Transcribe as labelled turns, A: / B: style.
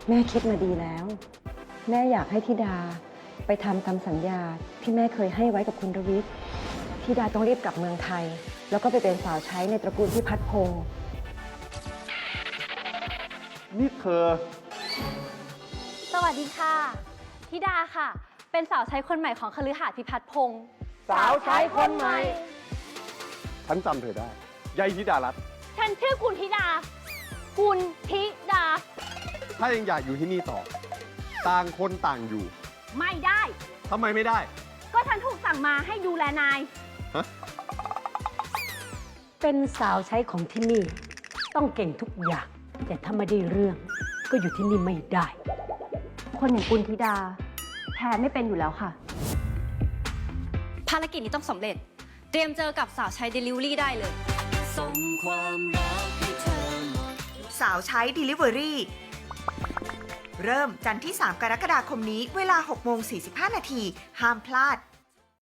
A: แม่คิดมาดีแล้ว แม่อยากให้ธิดาไปทำตามสัญญาที่แม่เคยให้ไว้กับคุณรวิทย์ธิดาต้องรีบกลับเมืองไทย แล้วก็ไปเป็นสาวใช้ในตระกูลพิพัฒน์พงศ์
B: นี่เธอ
C: สวัสดีค่ะธิดาค่ะ เป็นสาวใช้คนใหม่ของคฤหาสน์พิพัฒน์พงศ์
B: สาวใช้คนใหม่ ฉันจำเธอได้ยายธิดารัตน์
C: ฉันชื่อกุลธิดา กุลธิดา
B: ถ้ายังอยากอยู่ที่นี่ต่อ ต่างคนต่างอยู่
C: ไม่ได้
B: ทำไมไม่ได้
C: ก็ฉันถูกสั่งมาให้ดูแลนาย
D: เป็นสาวใช้ของที่นี่ ต้องเก่งทุกอย่าง แต่ถ้าไม่ได้เรื่อง ก็อยู่ที่นี่ไม่ได้
C: คนอย่างกุลธิดาแพ้ไม่เป็นอยู่แล้วค่ะ
E: ภารกิจนี้ต้องสำเร็จ เตรียมเจอกับสาวใช้ Delivery ได้เลย
F: สาวใช้ Delivery เริ่มจันทร์ที่ 3 กรกฎาคมนี้เวลา 6:45 น.ห้ามพลาด